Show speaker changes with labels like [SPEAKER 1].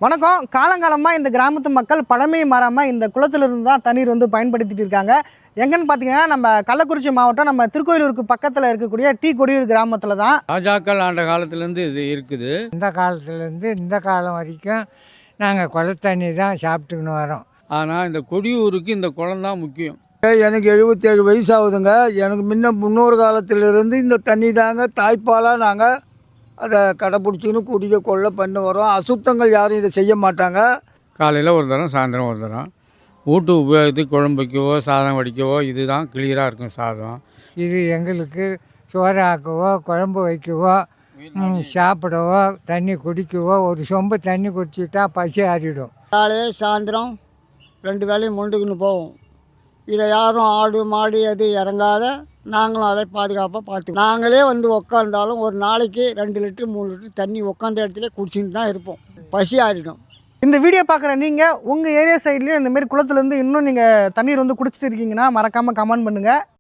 [SPEAKER 1] வணக்கம். காலங்காலமாக இந்த கிராமத்து மக்கள் பழமை மாறாமல் இந்த குளத்திலிருந்து தான் தண்ணீர் வந்து பயன்படுத்திட்டு இருக்காங்க. எங்கன்னு பார்த்தீங்கன்னா நம்ம கள்ளக்குறிச்சி மாவட்டம் நம்ம திருக்கோயிலூருக்கு பக்கத்தில் இருக்கக்கூடிய டி கொடியூர் கிராமத்தில் தான்.
[SPEAKER 2] ராஜாக்கள் ஆண்ட காலத்துலேருந்து இது இருக்குது.
[SPEAKER 3] இந்த காலத்துலேருந்து இந்த காலம் வரைக்கும் நாங்கள் குள தண்ணி தான் சாப்பிட்டுக்கின்னு வரோம்.
[SPEAKER 2] ஆனால் இந்த கொடியூருக்கு இந்த குளம் தான் முக்கியம்.
[SPEAKER 4] எனக்கு 77 வயசு ஆகுதுங்க. எனக்கு முன்னொரு காலத்திலிருந்து இந்த தண்ணி தாங்க தாய்ப்பாலாக நாங்கள் அதை கடைப்பிடிச்சின்னு குடிக்க கொள்ள பண்ணி வரோம். அசுத்தங்கள் யாரும் இதை செய்ய மாட்டாங்க.
[SPEAKER 2] காலையில் ஒரு தரம், சாயந்தரம் ஒரு தரம். வீட்டு உபயோகத்துக்கு குழம்பு வைக்கவோ சாதம் வடிக்கவோ இதுதான் கிளியராக இருக்கும் சாதம்.
[SPEAKER 3] இது எங்களுக்கு சோறு ஆக்கவோ குழம்பு வைக்கவோ சாப்பிடவோ தண்ணி குடிக்கவோ ஒரு சொம்பு தண்ணி குடிச்சிட்டா பசி ஆறிடும்.
[SPEAKER 5] காலையில் சாயந்தரம் 2 வேளையும் மொண்டுக்குன்னு போவோம். இதை யாரும் ஆடு மாடு எது இறங்காத நாங்களும் அதை பாதுகாப்பாக பார்த்து நாங்களே வந்து உக்காந்தாலும் ஒரு நாளைக்கு 2 லிட்டர் 3 லிட்டர் தண்ணி உட்காந்த இடத்துல குடிச்சிட்டு தான் இருப்போம். பசி ஆறிடும்.
[SPEAKER 1] இந்த வீடியோ பார்க்குற நீங்கள் உங்கள் ஏரியா சைட்லேயும் இந்தமாரி குளத்துலேருந்து இன்னும் நீங்கள் தண்ணீர் வந்து குடிச்சிட்டு இருக்கீங்கன்னா மறக்காமல் கமெண்ட் பண்ணுங்கள்.